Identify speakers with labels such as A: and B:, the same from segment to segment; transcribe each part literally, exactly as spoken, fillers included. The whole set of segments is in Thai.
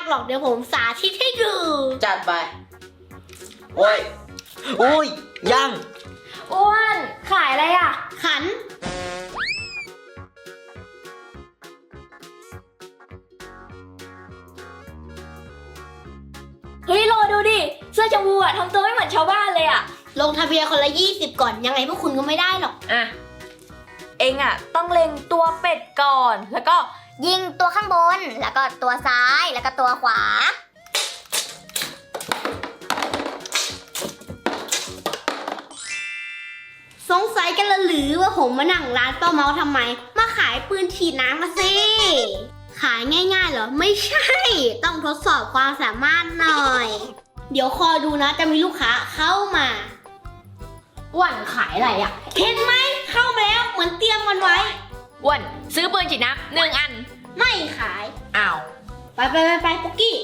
A: หรอกเดี๋ยวผมสาธิตให้ดู
B: จัดไปโอ้ยโอ้ยยัง
C: อ้วนขายอะไรอ่ะ
A: ขัน
C: เฮ้ยโลดูดิเสื้อชมพูอะทำตัวไม่เหมือนชาวบ้านเลยอะ
A: ลงทะเบียนคนละยี่สิบก่อนยังไงพวกคุณก็ไม่ได้หรอก
C: อ่ะเองอะต้องเล็งตัวเป็ดก่อนแล้วก็
D: ยิงตัวข้างบนแล้วก็ตัวซ้ายแล้วก็ตัวขวา
A: สงสัยกันละหรือว่าผมมานั่งร้านป้าเมาทำไมมาขายปืนฉีดน้ำมาสิขายง่ายๆเหรอไม่ใช่ต้องทดสอบความสามารถหน่อยเดี๋ยวคอยดูนะจะมีลูกค้าเข้ามา
C: อ้วนขายอะไรอ่ะ
A: เห็นไหมเข้ามาแล้วเหมือนเตรียมกันไว้
C: อ้วนซื้อปืนฉีดน้ำหนึ่งอัน
A: ไม่ขาย
C: อ้าว
A: ไปไปไปไปปุ๊กกี้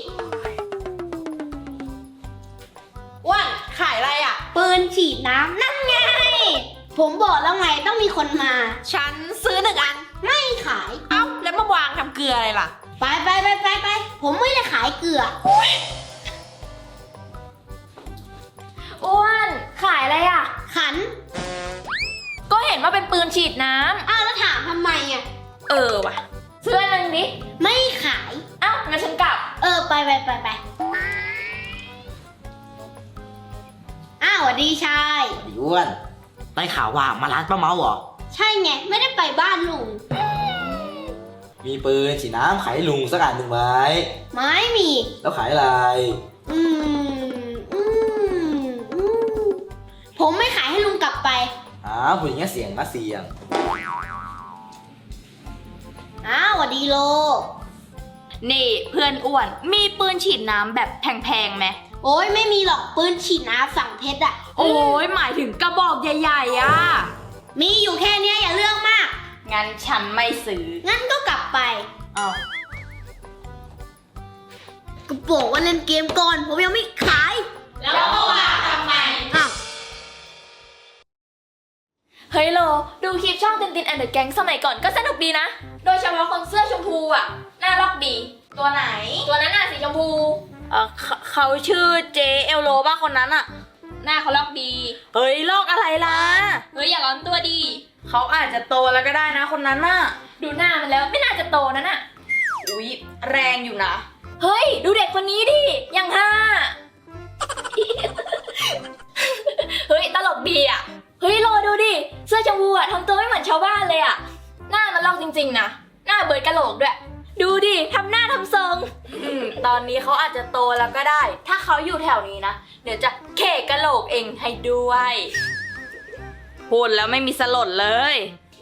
C: อ้วนขายอะไรอ่ะ
A: ปืนฉีดน้ำนั่นไงผมบอกแล้วไงต้องมีคนมา
C: ฉันซื้อหนึ่งอัน
A: ไม่ขาย
C: เอ้าแล้วมาวางทำเกลืออะไรล่ะ
A: ไปไปไปไปไปผมไม่ได้ขายเกลือ
C: อ้วนขายอะไรอ่ะ
A: ขัน
C: ก็เห็นว่าเป็นปืนฉีดน้
A: ำอ้าวแล้วถามทำไมอ่ะ
C: เออว่ะซื้ออันนึงดิ
A: ไม่ขาย
C: เอ้างั้นฉันกลับ
A: เออไปไปไปไปอ้าวสวัสดีชาย
B: สวัสดีอ้วนได้ข่าวว่ามาร้านป้าเมาเหรอ
A: ใช่ไงไม่ได้ไปบ้านลุง
B: มีปืนฉีดน้ำขายลุงสักอันหนึ่งไหม
A: ไม่มี
B: แล้วขายอะไร
A: อืมอืมอืมผมไม่ขายให้ลุงกลับไป
B: อ้าวพูดอย่างเงี้ยเสียงนะเสียง
A: อ้าวสวัสดีโล
C: นี่เพื่อนอ้วนมีปืนฉีดน้ำแบบแพงๆไหม
A: โอ้ยไม่มีหรอกปืนฉีดน้ำสั่งเพชรอะ
C: โอ้ยหมายถึงกระบอกใหญ่ๆอะ
A: มีอยู่แค่นี้อย่าเรื่องมาก
C: งั้นฉันไม่ซื้อ
A: งั้นก็กลับไป
C: อ้าว
A: ก็บอกว่าเล่นเกมก่อนผมยังไม่ขาย
C: แล้วก็วางทำไม
A: อ้าว
C: เฮ้ยโลดูคลิปช่องตินตินแอนด์เดอะแก๊งสมัยก่อนก็สนุกดีนะโดยเฉพาะคนเสื้อชมพูอ่ะน่ารักดีตัวไหนตัวนั้นน่ะสีชมพูเออเขาชื่อเจเอลโลป่ะคนนั้นอ่ะหน้าเขาลอกดีเฮ้ยลอกอะไรล่ะเฮ้ยอย่าร้อนตัวดีเขาอาจจะโตแล้วก็ได้นะคนนั้นน่ะดูหน้ามันแล้วไม่น่าจะโตนั่นน่ะอุ๊ยแรงอยู่นะเฮ้ยดูเด็กคนนี้ดิยังห้า เฮ้ยตลกดีอ่ะเฮ้ยโลดูดิเสื้อชมพูอ่ะทำตัวไม่เหมือนชาวบ้านเลยอ่ะหน้ามันลอกจริงๆนะหน้าเบิร์ดกะโหลกด้วยดูดิทำหน้าทำทรงอืมตอนนี้เขาอาจจะโตแล้วก็ได้ถ้าเขาอยู่แถวนี้นะเดี๋ยวจะเขกกะโหลกเองให้ด้วยพูดแล้วไม่มีสลดเลย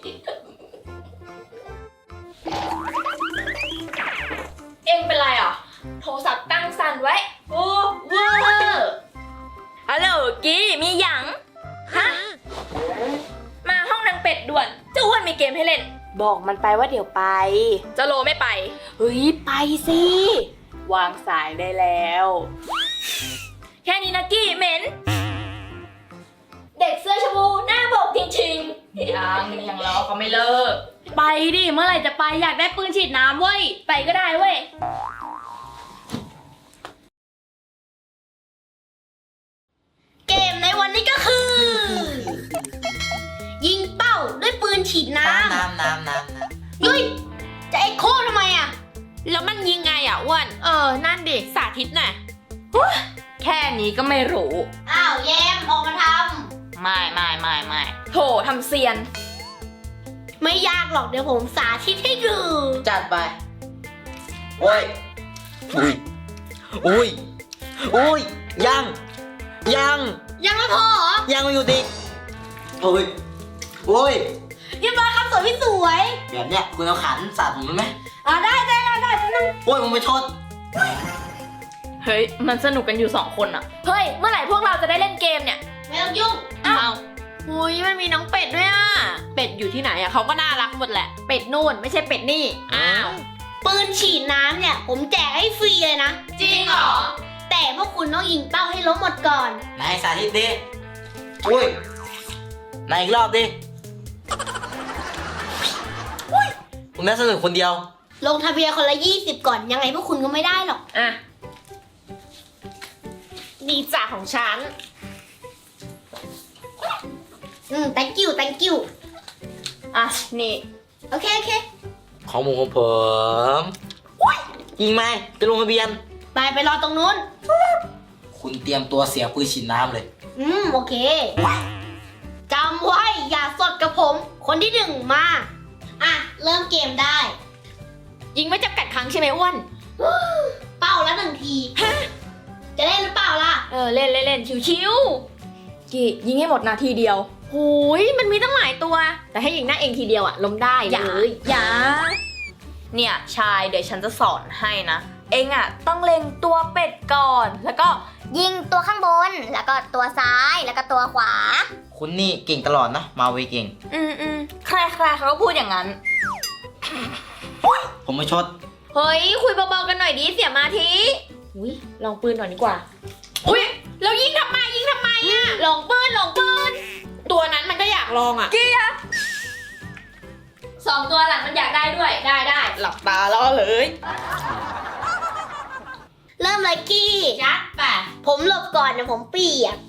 C: เองเป็นไรอ่ะโทรศัพท์ตั้งสั่นไว้โอ้เวอร์ฮัลโหลกี้มีหยังฮะมาห้องนางเป็ดด่วนเจ้าอ้วนมีเกมให้เล่นบอกมันไปว่าเดี๋ยวไปเจ้าโลไม่ไปเฮ้ยไปสิวางสายได้แล้วแค่นี้นะกี้เหม็นเด็กเสื้อชมพูหน้าบอกจริงๆยังยังรอเขาไม่เลิกไปดิเมื่อไหร่จะไปอยากได้ปืนฉีดน้ำเว้ยไปก็ได้เว้ย
A: เกมในวันนี้ก็คือยิงเป้าด้วยปืนฉีดน้ำ
B: น้ำน้ำน้ำ
A: เฮ้ยจะเอ็กโคทำไมอ่ะ
C: แล้วมันยิงไงอ่ะอ้วนเออนั่นดิสาธิตหน่อยแค่นี้ก็ไม่รู้
A: อ้าวแยมออกมาท
C: ำไม่ไม่ไม่ไม่โถทำเซียน
A: ไม่ยากหรอกเดี๋ยวผมสาธิตให้ดู
B: จัดไปโอ้ยอุ้ยอุ้ยอุ้ยยังยัง
A: ยังไม่พอเหรอ
B: ยังไม่อยู่ดิโอ้ยโอ้ย
A: เรียบร้อยครับสวยพี่สวย
B: แบบเนี้ยคุณเอาขันสาดผมได้ไหม
A: อ่าได้ได้ได้ได้นั่ง
B: โอ้ยมึงไปชน
C: เฮ้ยมันสนุกกันอยู่สองคนอะเฮ้ยเมื่อไหร่พวกเราจะได้เล่นเกมเนี่ย
A: ไม่ต้องยุ่ง
C: อ้าวหุยมันมีน้องเป็ดด้วยอะเป็ดอยู่ที่ไหนอะเขาก็น่ารักหมดแหละเป็ดนู่นไม่ใช่เป็ดนี่อ้าว
A: ปืนฉีดน้ำเนี่ยผมแจกให้ฟรีเลยนะ
C: จริงเหรอ
A: แต่พวกคุณต้องยิงเป้าให้ล้มหมดก่อน
B: นายสาธิตดิอุ้ยนายอีกรอบดิอุ้ยผมน่าสนุกคนเดียว
A: ลงทะเบียนคนละยี่สิบก่อน ยังไงพวกคุณก็ไม่ได้หรอก
C: อ่ะนี่จ่าของฉัน
A: อืม thank you thank you
C: อ่ะ นี่
A: โอเค โอเค
B: ของหมูของผมจริงไหมจะลงทะเบียน
A: ไปไปรอตรงนู้น
B: คุณเตรียมตัวเสียปืนฉีดน้ำเลย
A: อืม โอเค จำไว้ อย่าสดกับผม คนที่หนึ่งมา อ่ะ เริ่มเกมได้
C: ยิงไม่จำกัดครั้งใช่ไหมอ้วน
A: เป้าละหนึ่งที จะเล่นหรือเปล่าล่ะ
C: เออ เล่นเล่นเล่นชิวๆกี่ยิงให้หมดนาทีเดียวหูยมันมีตั้งหลายตัว แต่ให้ยิงหน้าเองทีเดียวอะล้มได้อย่าอย่าเนี่ยชายเดี๋ยวฉันจะสอนให้นะ เองอะต้องเล็งตัวเป็ดก่อน แล้วก็
D: ยิงตัวข้างบน แล้วก็ตัวซ้าย แล้วก็ตัวขวา
B: คุณนี่เก่งตลอดนะ มาเวเก่ง
C: อืมอืมใครใครเขาก็พูดอย่างนั้น
B: ผมไม่ชด
C: เฮ้ย คุยเบาๆกันหน่อยดิเสียมาทีอุ้ยลองปืนหน่อยดีกว่า อุ้ยแล้วยิงทำไมยิงทำไมอะลองปืนลองปืน
E: ตัวนั้นมันก็อยากลองอ่ะ
C: เกียร์สองตัวหลังมันอยากได้ด้วยได้ได้
E: หลับตาล่อเลย
A: เริ่มเลยกี้
C: ยัดไป
A: ผมหลบก่อนนะผมเปียก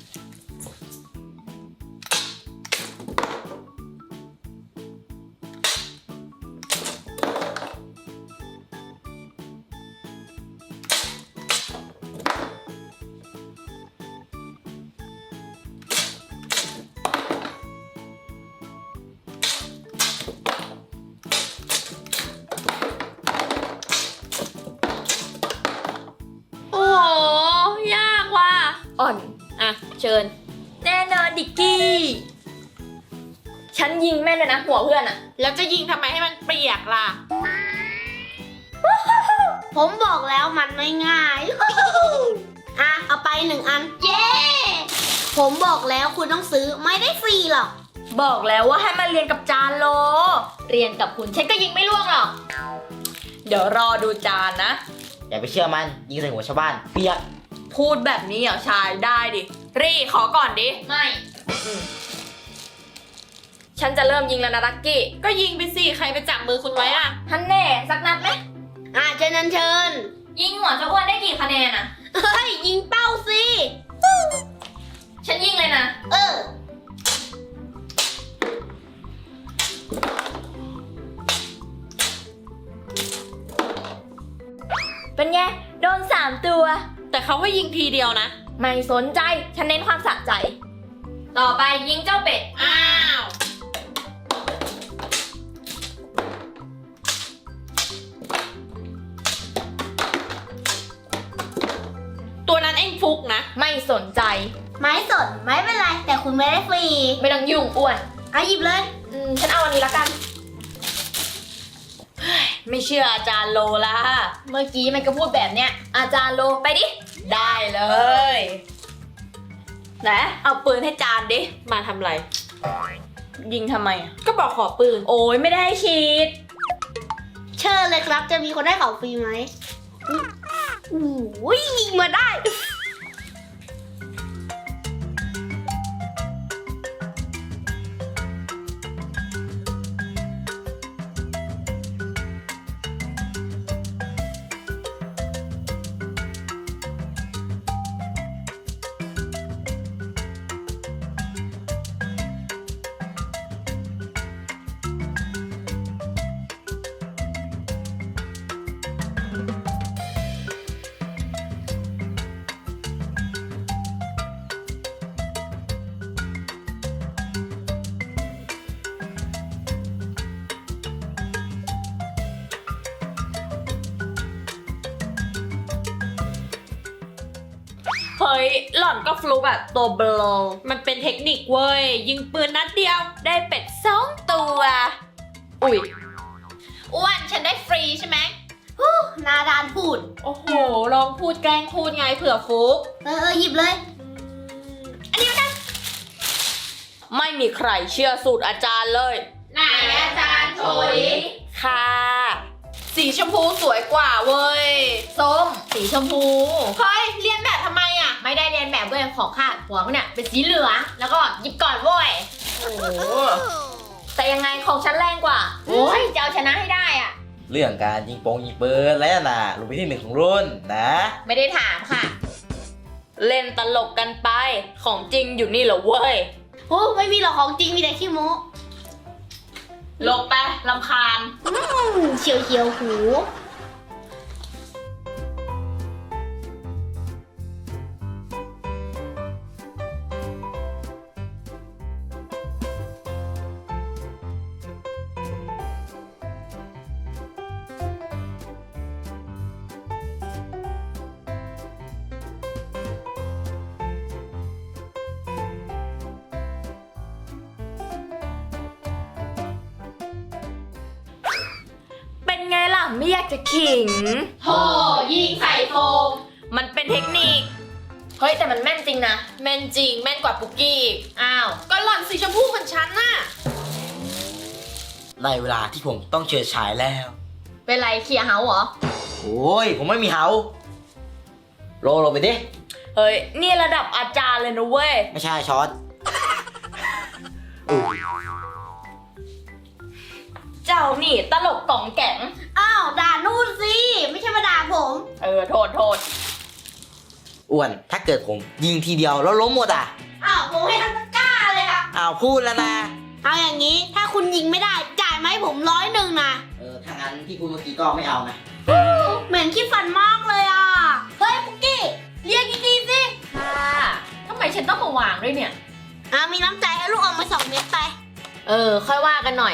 C: โอ้โหยากว่ะอ่อนอ่ะเชิญ แน่นอนดิกกี้ ฉันยิงแม่นเลยนะหัวเพื่อนอะ
E: แล้วจะยิงทำไมให้มันเปียกล่ะ
A: ผมบอกแล้วมันไม่ง่าย อ่ะ เอาไปหนึ่งอัน เย้ ผมบอกแล้วคุณต้องซื้อไม่ได้ฟรีหรอก
C: บอกแล้วว่าให้มาเรียนกับจานโล เรียนกับคุณฉันก็ยิงไม่ล่วงหรอก เดี๋ยวรอดูจานนะ
B: อย่าไปเชื่อมัน ยิงใส่หัวชาวบ้าน เปียก
C: พูดแบบนี้เหรอชายได้ดิ รีขอก่อนดิ ไม่ฉันจะเริ่มยิงแล้วนะลักกี้
E: ก็ยิงไปสิ ใครไปจับมือคุณไว้อ่ะ
C: ฮันแน่สักนัดไหม
A: อ่ะเชิญเชิญ
C: ยิงหัวเจ้าอ้วนได้กี่คะแนนอะ
A: เฮ้ย ยิงเป้าสิ
C: ฉันยิงเลยนะ
A: เออ
C: เป็นไง โดนสามตัว
E: แต่เขาว่ายิงทีเดียวนะ
C: ไม่สนใจ ฉันเน้นความสะใจ ต่อไปยิงเจ้าเป็ด
E: อ้าว ตัวนั้นเองฟุกนะ
C: ไม่สนใจ
A: ไม่สนไม่เป็นไร แต่คุณไม่ได้ฟรี
C: ไม่ต้องยุ่งอ้วน
A: อ่ะหยิบเลย
C: อืมฉันเอาอันนี้ละกันเฮ้ยไม่เชื่ออาจารย์โลละเมื่อกี้มันก็พูดแบบเนี้ย อาจารย์โลไปดิ ได้เลยไหนเอาปืนให้จานดิ
E: มาทำไร
C: ยิงทำไมอะ
E: ก็บอกขอปืน
C: โอ้ยไม่ได้ฉีด
A: เชิญเลยครับ จะมีคนได้ของฟรีไหมโอ้ยยิงมาได้
C: เฮ้ย หล่อนก็ฟลุกอะตัวเบลอ
E: มันเป็นเทคนิคเว้ย ยิงปืนนัดเดียว
C: ได้เป็ดสองตัว อุ้ยอ้วนฉันได้ฟรีใช่ไหม
A: หนาดานพูด
E: โอ้โห ลองพูดแกล้งพูดไงเผื่อฟุก
A: เออเออหยิบเลย
C: ไม่มีใครเชื่อสูตรอาจารย์เลย
E: ไหนอาจารย์โชย
C: ค่ะ
E: สีชมพูสวยกว่าเว้ย
C: ส้ม สีชมพู
E: เฮ้ย เรียนแบบทำไมอ่ะ
C: ไม่ได้เรียนแบบเว้ยของข้าหัวมันเนี่ยเป็นสีเหลือง แล้วก็หยิบก่อนเว้ย
E: โอ้โห
C: แต่ยังไงของฉันแรงกว่า โอ้ยจะเอาชนะให้ได้อ่ะ
B: เรื่องการยิงโปงยิงปืนแล้วนะลงไปที่หนึ่งของรุ่นนะ
C: ไม่ได้ถามค่ะ เล่นตลกกันไป ของจริงอยู่นี่เหรอเว้ย
A: โอ้ไม่มีหรอกของจริงมีแต่ขี้โม้
E: ลบไปลำคาญ
A: อืมเฉียวเฉียวๆหู
C: เป็นไงล่ะไม่อยากจะขิง
E: โธ่ยิงใส่โฟม
C: มันเป็นเทคนิค เฮ้ยแต่มันแม่นจริงนะ
E: แม่นจริง แม่นกว่าปุกกี้อีกอ้าว ก็หล่อนสีชมพูเหมือนฉันน่ะ
B: ในเวลาที่ผมต้องเฉิดฉายแล้ว
D: เป็นไรเคลียร์เฮาเหรอ
B: โอ้ย ผมไม่มีเฮาโรลงไปดิ
C: เฮ้ย นี่ระดับอาจารย์เลยนะเว้ย
B: ไม่ใช่ช้อนอุ๊ย
C: เจ้านี่ตลกกล่องแก๋ง
A: อ้าวด่านู่นสิไม่ใช่มาด่าผม
C: เออ โทษโทษ
B: อ้วน ถ้าเกิดผมยิงทีเดียวแล้วล้มหมดอ่ะ
A: อ้าวผมให้ทั้งตะกร้าเลยค่ะ
B: อ้าวพูดแล้วนะ
A: เอาอย่างนี้ถ้าคุณยิงไม่ได้จ่ายมาให้ผมร้อยหนึ่งนะ
B: เออ ถ้างั้นที่พูดเมื่อกี้ก็ไม่เอานะ
A: เหมือนขี้ฟันมากเลยอ่ะ เฮ้ยปุกกี้เรียกดีๆสิ
E: ค่ะทำไมฉันต้องมาวางด้วยเนี่ย
A: อ่ามีน้ำใจให้ลูกออกมาสองเม็ดไป
C: เออ ค่อยว่ากันหน่อย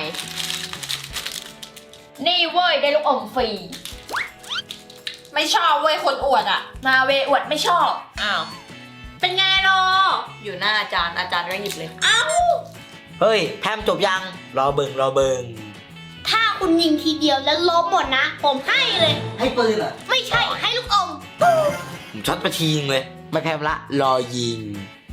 C: นี่เว้ย ได้ลูกอมฟรี
E: ไม่ชอบเว้ยคนอวดอ่ะ
C: มาเวอวดไม่ชอบ
E: อ้าว
A: เป็นไงโร
C: อยู่หน้าอาจารย์อาจารย์ก็หยิบเลย
B: เฮ้ย แพมจบยัง รอเบิงรอเบิง
A: ถ้าคุณยิงทีเดียวแล้วล้มหมดนะ ผมให้เลย
B: ให้ปืนเหรอ
A: ไม่ใช่ให้ลูกอม
B: ผมช็อตไปทีนึงเลย ไม่แพมละ รอยิง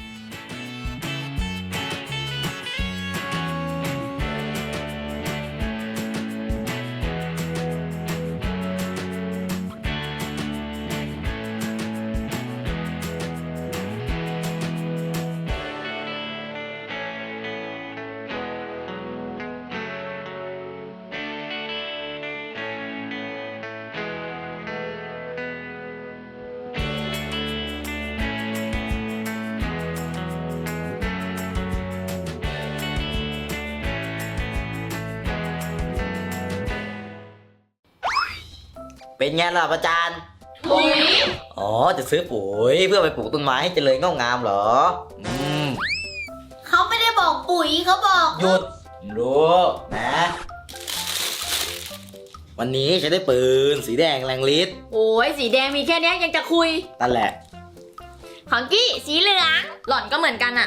B: เป็นไงล่ะอาจารย์
E: ถุย
B: อ๋อ จะซื้อปุ๋ยเพื่อไปปลูกต้นไม้ให้เจริญงอกงามเหรอ อืม
A: เขาไม่ได้บอกปุ๋ยเขาบอก
B: หยุดรู้นะ วันนี้ฉันได้ปืนสีแดงแรงฤทธิ์
C: โอ้ยสีแดงมีแค่เนี้ยยังจะคุย
B: นั่นแหละ
C: ของกี้สีเหลือง หล่อนก็เหมือนกันอะ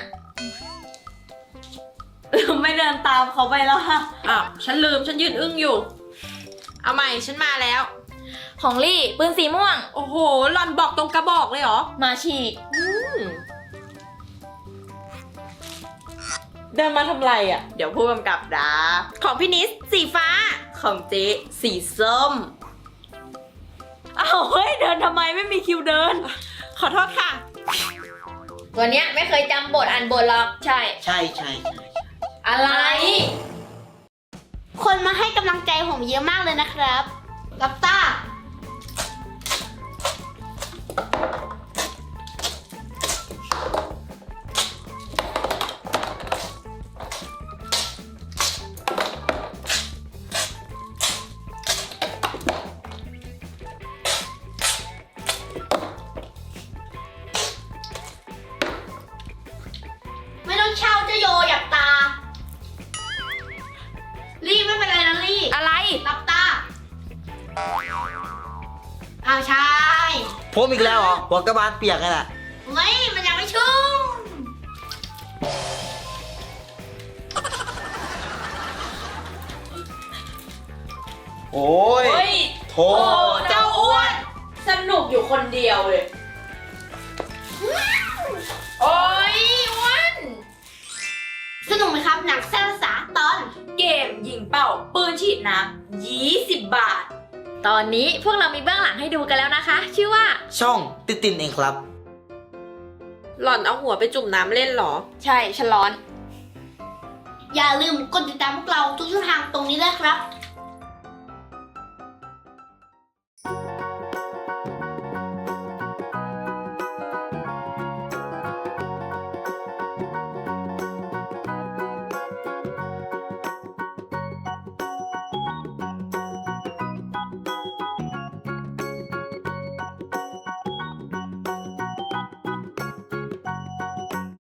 C: ไม่เดินตามเขาไปแล้วค่ะ
E: อ้าว ฉันลืม ฉันยืนอึ้งอยู่ เอาใหม่ ฉันมาแล้ว
C: ของลี่ปืนสีม่วง
E: โอ้โห หล่อนบอกตรงกระบอกเลยเหรอ
C: มาฉีก
E: เดินมาทำไรอ่ะ เดี๋ยวผู้กำกับดาของพี่นิสสีฟ้า ของเจ๊สีส้ม
C: อ้าวเฮ้ยเดินทำไมไม่มีคิวเดิน
E: ขอโทษค่ะ
C: ตัวเนี้ยไม่เคยจำบทอ่านบทหรอก ใช่
B: ใช่ใช่ใช่
C: อะไร
A: คนมาให้กำลังใจผมเยอะมากเลยนะครับกับต้า ไม่ต้องเช่าเจะโยหยับตา รีบไม่เป็นไรนะรีบ
C: อะไร
A: รับตาอ้าวใช่
B: ผมอีกแล้วเหรอ หัวกระบาลเปียกไงล่ะ
A: ไม่ มันยังไม่ชุ่ม
B: โอ้ย
E: เฮ้ย
B: โถ
E: โอ้เจ้าอ้วน สนุกอยู่คนเดียวเลย โอ้ยอ้วน
A: สนุกไหมครับหนังแซ่บภาษาตอน
C: เกมยิงเป่าปืนฉีดน้ำยี่สิบบาท ตอนนี้พวกเรามีเบื้องหลังให้ดูกันแล้วนะคะ ชื่อว่า
B: ช่องติดตินเองครับ
E: หล่อนเอาหัวไปจุ่มน้ำเล่นเหรอ
C: ใช่ฉลอน
A: อย่าลืมกดติดตามพวกเราทุกช่องทางตรงนี้ด้วยครับ